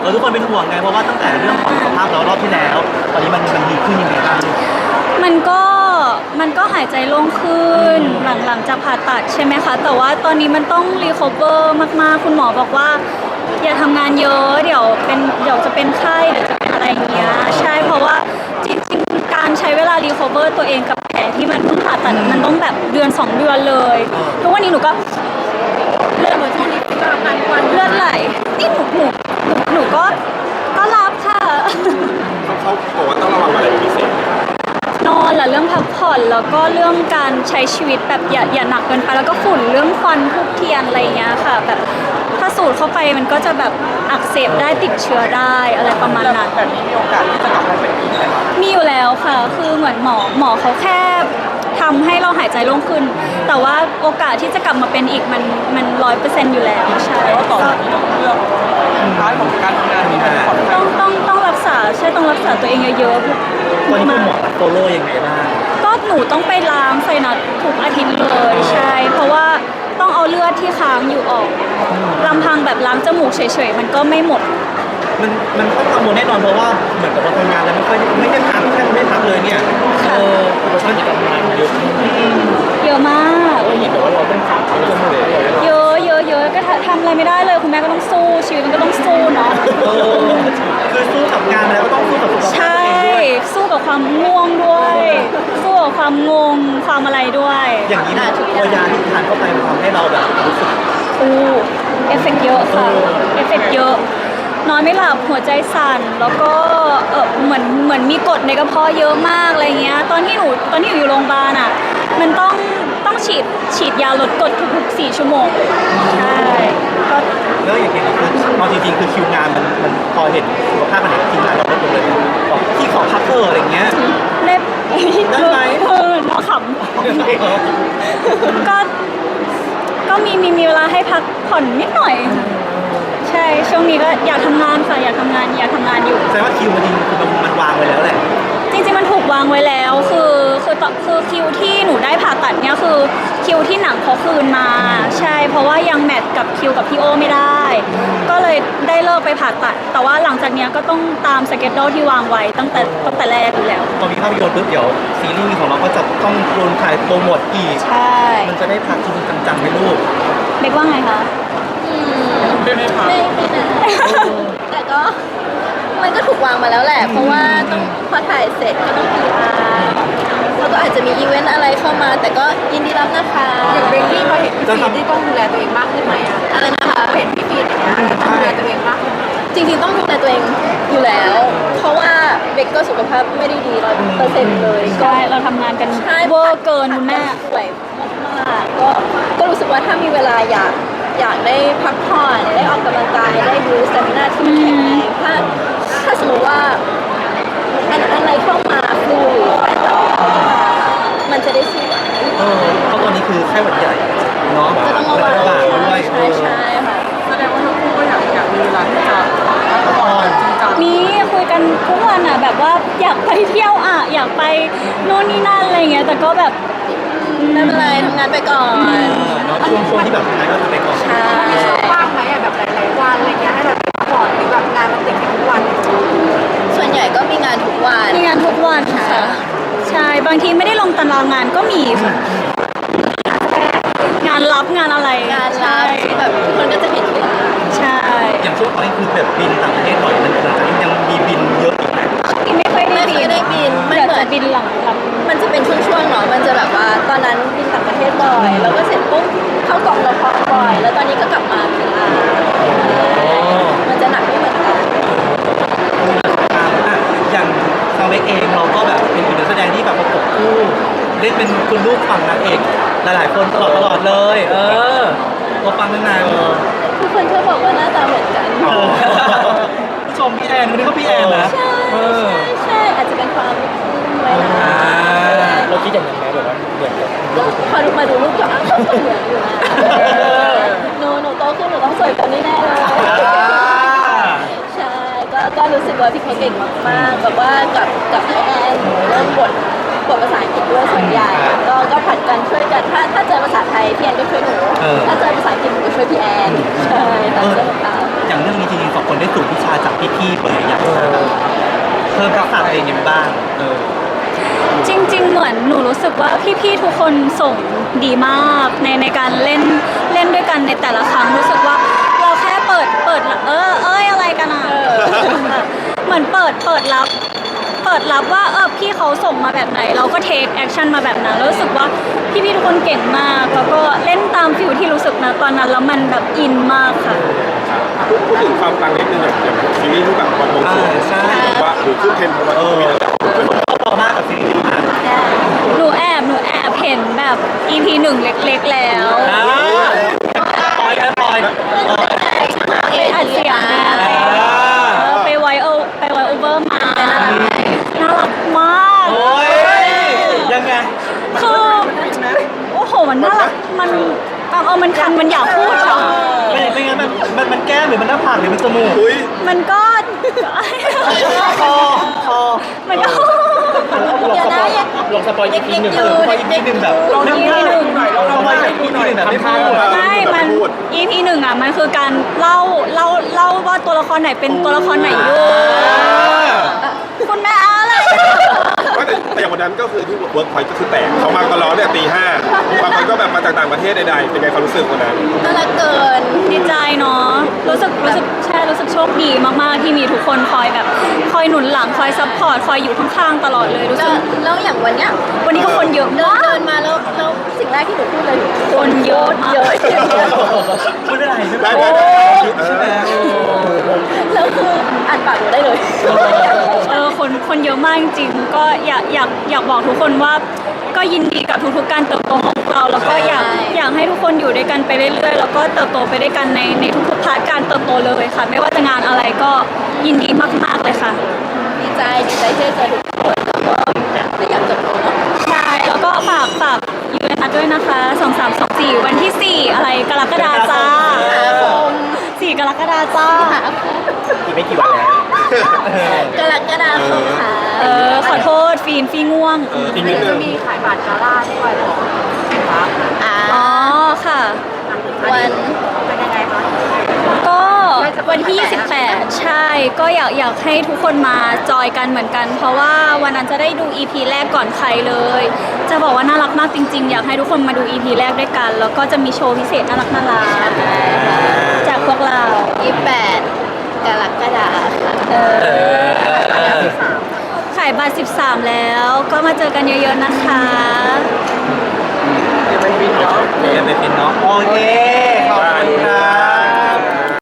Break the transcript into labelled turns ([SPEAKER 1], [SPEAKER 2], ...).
[SPEAKER 1] ทุกคนเป็นห่วงไงเพราะว่าตั้งแต่เรื่องของสุขภาพเรารอบที่แล้วตอนนี้มันดีขึ้นยังไงบ้าง
[SPEAKER 2] มันก็มันก็หายใจโล่งขึ้นหลังจากผ่าตัดใช่ไหมคะแต่ว่าตอนนี้มันต้องรีคอเวอร์มากๆคุณหมอบอกว่าอย่าทำงานเยอะเดี๋ยวจะเป็นไข้เดี๋ยวจะเป็นอะไรอย่างเงี้ยใช่เพราะว่าจริงๆการใช้เวลารีคอเวอร์ตัวเองกับแผลที่มันเพิ่งผ่าตัดมันต้องแบบเดือน2 เดือนเลยทุกวันนี้หนูก็เลือดช่วงนี้ก็ทำงานวันเลือดไหลนี่หนูก็รับค่ะ
[SPEAKER 3] เขาบอกว่าต้องระวังอะไรเป็นพิเศษ
[SPEAKER 2] นอนแหละเรื่องพักผ่อนแล้วก็เรื่องการใช้ชีวิตแบบอย่าหนักเกินไปแล้วก็ฝุ่นเรื่องควันทุกเทียนอะไรเงี้ยค่ะแบบถ้าสูดเข้าไปมันก็จะแบบอักเสบได้ติดเชื้อได้อะไรประมาณนั้น
[SPEAKER 3] แบบนี้มีโอกาสที่จะกลับมาเป็นอีกไหมครับ
[SPEAKER 2] มีอยู่แล้วค่ะคือเหมือนหมอเขาแค่ทำให้เราหายใจโล่งขึ้นแต่ว่าโอกาสที่จะกลับมาเป็นอีกมัน100%อยู่แล้วใช่
[SPEAKER 3] ต่อจากนี้ต้องเลือกท้ายของการทำงานที่มันผ่อนคลาย
[SPEAKER 2] ต้องรักษาใช่ต้องรักษาตัวเองเยอะๆ
[SPEAKER 1] วันนี้คุณหมอโฟโล่ยังไงบ้าง
[SPEAKER 2] ก็หนูต้องไปล้างไซนัสทุกอาทิตย์เลยใช่เพราะว่าต้องเอาเลือดที่ค้างอยู่ออกลำพังแบบล้างจมูกเฉยๆมันก็ไม่หมด
[SPEAKER 1] มันต้องกังวลแน่นอนเพราะว่าเหมือนกับว่าทำงานแล้วไม่ได้พักแทบไม่พักเลยเนี่ยอุปสรรคที่ทำงานเยอะ
[SPEAKER 2] เยอะมาก
[SPEAKER 3] เห็นแต่ว่าเราต้องขับเขาจะไม่ได้
[SPEAKER 2] เยอะก็ทำอะไรไม่ได้เลยคุณแม่ก็ต้องสู้ชีวิตมันก็ต้องสู้เนาะ
[SPEAKER 1] คือสู้กับงานแล้วก็ต้องสู้กับสุขภาพ
[SPEAKER 2] ใช่สู้กับความง่วงด้วยสู้กับความงงความอะไรด้วย
[SPEAKER 1] อย่างนี้นะตัวยาที่ทานเข้าไปมันทำให้เราแบบรู้สึก
[SPEAKER 2] เอฟเฟกต์เยอะค่ะเอฟเฟกต์เยอะนอนไม่หลับหัวใจสั่นแล้วก็เหมือนมีกรดในกระเพาะเยอะมากอะไรเงี้ยตอนที่หนูอยู่โรงพยาบาลอ่ะมันต้องฉีดยาลดกรดทุก4 ชั่วโมงใช่ก็
[SPEAKER 1] แล้วอย่างเงี้ยคือเอาจริงๆคือคิวงานมันพอเห็นสุขภาพมันเห็นทีมงานเราลดลงเลยบอกที่ขอพักอะไรเงี้ย
[SPEAKER 2] เล็บ
[SPEAKER 1] ได้ไหม
[SPEAKER 2] เราขำก็มีเวลาให้พักผ่อนนิดหน่อยใช่ช่วงนี้ก็อยากทำงานค่ะอยากทำงานอยู่
[SPEAKER 1] แสดงว่าคิวมันวางไว้แล้วแหละ
[SPEAKER 2] จริงๆมันถูกวางไว้แล้วคือคิวที่หนูได้ผ่าตัดเนี่ยคือคิวที่หนังเขาคืนมาใช่เพราะว่ายังแมทกับคิวกับพี่โอไม่ได้ก็เลยได้เลิกไปผ่าตัดแต่ว่าหลังจากนี้ก็ต้องตามสเกจโดที่วางไว้ตั้งแต่แรกอยู่แล้ว
[SPEAKER 1] พอมีภาพยนตร์ปุ๊บเดี๋ยวซีรีส์ของเราก็จะต้องโดนถ่ายโปรโมทอีก
[SPEAKER 2] ใช่
[SPEAKER 1] มันจะได้พักจริงจังๆไหมลูก
[SPEAKER 2] เบกว่าไงคะ
[SPEAKER 4] ไม่นะแต่ก็มันก็ถูกวางมาแล้วแหละเพราะว่าต้องพอถ่ายเสร็จก็ต้อง PR แล้วก็อาจจะมีอีเวนต์อะไรเข้ามาแต่ก็ยินดีรับนะคะ
[SPEAKER 5] อย่างเบกกี้พอเห็นพี่ฟีที่ต้องดูแลตัวเองมากขึ้นไหม
[SPEAKER 4] อะไรนะคะ
[SPEAKER 5] เห็นพี่ฟีอย่างเงี้ยต้องดูแลตัวเองมากขึ้น
[SPEAKER 4] จริงๆต้องดูแลตัวเองอยู่แล้วเพราะว่าเบกก็สุขภาพไม่ได้ดี100%เลย
[SPEAKER 2] ใช่เราทำงานกันเวอร์เกินคุณแม่
[SPEAKER 4] ป่วยมากๆก็รู้สึกว่าถ้ามีเวลาอยากได้พักผ่อนได้ออกกำลังกายได้ดูสเตมินาที่มันแข็งแรงถ้าสมมติว่าอะไรเข้ามาฟลูหรืออะไรต่อมันจะได้สู้
[SPEAKER 1] เพราะตอนนี้คือไข้หวัดใหญ่เนาะ
[SPEAKER 4] ก็ต้องระวัง
[SPEAKER 1] ด้วย
[SPEAKER 4] ใช่ค่ะ
[SPEAKER 5] แสดงว่าทั้งคู่ก็อยากมีเวลาที่จะพักผ่อนจริงจัง
[SPEAKER 2] มีคุยกันทุกวันอ่ะแบบว่าอยากไปเที่ยวอ่ะอยากไปโน่นนี่นั่นอะไรเงี้ยแต่ก็แบบ
[SPEAKER 4] ไม่เป็นไรทำงานไปก่อน
[SPEAKER 1] ช่วงที่แบบทำงานก็ทำไปก่อน
[SPEAKER 5] มีช่วงว่างไหมแบบหลายๆวันอะไรเงี้ยให้เราพักผ่อนหรือแบบงานมันติดกันทุกวัน
[SPEAKER 4] ส่วนใหญ่ก็มีงานทุกวัน
[SPEAKER 2] ค่ะใช่บางทีไม่ได้ลงตารางงานก็มีค่ะงานรับงานอะไร
[SPEAKER 4] แบบคนก็จะเห็นอยู่
[SPEAKER 2] ใช่
[SPEAKER 1] อย่างช่วงตอนนี้คือแบบบินต่างประเทศบ่อยมันหลังจากนี้ยังมีบินเยอะอีกไหม
[SPEAKER 2] ไม่ค่อยได้บิน
[SPEAKER 4] มันเหมือน
[SPEAKER 2] บินหลัง
[SPEAKER 4] มันจะเป็นช่วงๆเนาะมันจะแบบว่าตอนนั้นบินต่างประเทศบ่อยแล้วก็เสร็จปุ๊บเข้ากองละครบ่อยแล้วตอนนี้ก็กลับมาPRมันจะหนักไม่เหมือนกัน
[SPEAKER 1] อย่างซาวเวกเองเราก็แบบเป็นอีกนักแสดงที่แบบประกบคู่เล่นเป็นคุณลูกฝั่งนางเอกหลายๆคนตลอดเลยตัวฟังนาน
[SPEAKER 4] ทุกคนชอบบอกว่าหน้าตาเหมือนกัน
[SPEAKER 1] ผู้ชมพี่แอนวันนี้ก็พี่แอนนะ
[SPEAKER 4] ใช่อาจจะเป็นความไว้นะ
[SPEAKER 3] เราคิดอย่างนั้นไหมแบบว่าเหมือนกัน
[SPEAKER 4] ก็พอมาดูรูปก็อ้าวก็เหมือนอยู่นะหนูโตขึ้นหนูต้องสวยกว่านี้แน่เลยใช่ก็รู้สึกว่าพี่เขาเก่งมากๆแบบว่ากับพี่แอนเริ่มบทบทภาษาอังกฤษด้วยส่วนใหญ่ก็ผัดกันช่วยกันถ้าเจอภาษาไทยพี่แอนก็ช่วยหนูถ้าเจอภาษาอังกฤษหนูก็ช่วยพี่แอนใช่ค่ะช่วยกัน
[SPEAKER 1] อย่างเรื่องนี้จริงๆสองคนได้สูตรวิชาจากพี่ๆเปิดอยากจะเพิ่มทักษะตัวเองยังไงบ้าง
[SPEAKER 2] จริงๆเหมือนหนูรู้สึกว่าพี่ๆทุกคนส่งดีมากในการเล่นด้วยกันในแต่ละครั้งรู้สึกว่าเราแค่เปิดอะไรกันอ่ะเหมือนเปิดรับว่าพี่เขาส่งมาแบบไหนเราก็เทคแอคชั่นมาแบบนั้นแล้วรู้สึกว่าพี่ๆทุกคนเก่งมากแล้วก็เล่นตามฟิลที่รู้สึกนะตอนนั้นแล้วมันแบบอินมากค่ะ
[SPEAKER 6] พูดถึงความปังนิดนึงอย่างซีรีส์ที่แบบวันวงสวงใช่ว่าหรือขึ้นเทรนด์เพราะว่ามีอะไร
[SPEAKER 1] มากกับซีรีส์นะ
[SPEAKER 2] หนูแอบเห็นแบบ EP 1เล็กๆแล้ว
[SPEAKER 1] ปล่อย
[SPEAKER 2] ไปอัดเสียงไปไวโอเวอร์มาน่ารักมาก
[SPEAKER 1] ยังไง
[SPEAKER 2] คือโอ้โหมันน่ารักมันคันมันอยากพูดค่ะ
[SPEAKER 1] เป็นไงมันแก้มหรือมันหน้าผากหรือมันจมูก
[SPEAKER 2] มันก็
[SPEAKER 1] คอ
[SPEAKER 2] มันก็
[SPEAKER 1] ลงสปอยอีกทีหนึ่งแบบลง EP 1แบบไม่พูด
[SPEAKER 2] ไม่มัน EP 1อ่ะมันคือการเล่าว่าตัวละครไหนเป็นตัวละครไหนอยู่คุณแม่อะไร
[SPEAKER 6] แต่อย่างวันนั้นก็คือที่เวิร์กพอยต์ก็คือแตกเขามาตลอดเนี่ยตี 5บางคนก็แบบมาจากต่างประเทศใดๆเป็นไงความรู้สึกวันนั้น
[SPEAKER 4] น่ารักเกิน
[SPEAKER 2] ดีใจเนาะรู้สึกโชคดีมากๆที่มีทุกคนคอยหนุนหลังคอยซัพพอร์ตคอยอยู่ข้างๆตลอดเลยรู้สึก
[SPEAKER 4] แล้วอย่างวันนี้
[SPEAKER 2] ก็คนเยอะมาก
[SPEAKER 4] เดินมาแล้วสิ่งแรกที่หนูพูดเลย
[SPEAKER 2] คนเยอะ
[SPEAKER 1] พูดอะไร
[SPEAKER 6] ได้
[SPEAKER 4] แล้วคืออ่านปากหนูได้เลย
[SPEAKER 2] คนเยอะมากจริงๆก็อยากบอกทุกคนว่าก็ยินดีกับทุกๆการเติบโตของเราแล้วก็อยากให้ทุกคนอยู่ด้วยกันไปเรื่อยๆแล้วก็เติบโตไปด้วยกันในทุกๆพาร์ทการเติบโตเลยค่ะไม่ว่าจะงานอะไรก็ยินดีมากๆเลยค่ะ
[SPEAKER 4] ดีใจที่เจอทุกคนแล้วก็ไม่อยากจบเนาะ
[SPEAKER 2] ใช่แล้วก็ฝากยูเอ็นอาร์ด้วยนะคะ2324วันที่4อะไรกรกฎาคมจ้า4 กรกฎาคมจ้า
[SPEAKER 1] อีกไม่กี่วันแล้ว
[SPEAKER 4] กรกฎาคมค่ะ
[SPEAKER 2] ขอโทษฟีง่วง
[SPEAKER 5] จริงๆจะมีขายบัตรกาล่าด้วยหรอ
[SPEAKER 2] อ๋อค่ะ
[SPEAKER 4] วัน
[SPEAKER 5] เป็นยังไงคะ
[SPEAKER 2] ก็วันที่28ใช่ก็อยากให้ทุกคนมาจอยกันเหมือนกันเพราะว่าวันนั้นจะได้ดู EP แรกก่อนใครเลยจะบอกว่าน่ารักมากจริงๆอยากให้ทุกคนมาดู EP แรกด้วยกันแล้วก็จะมีโชว์พิเศษน่ารักจากพวกเรา
[SPEAKER 4] 28 กรกฎาคม
[SPEAKER 2] ขายบัตร13แล้วก็มาเจอกันเยอะๆนะคะ
[SPEAKER 1] เดี๋ยวไปฟินเนาะโอเคขอบคุณค่ะ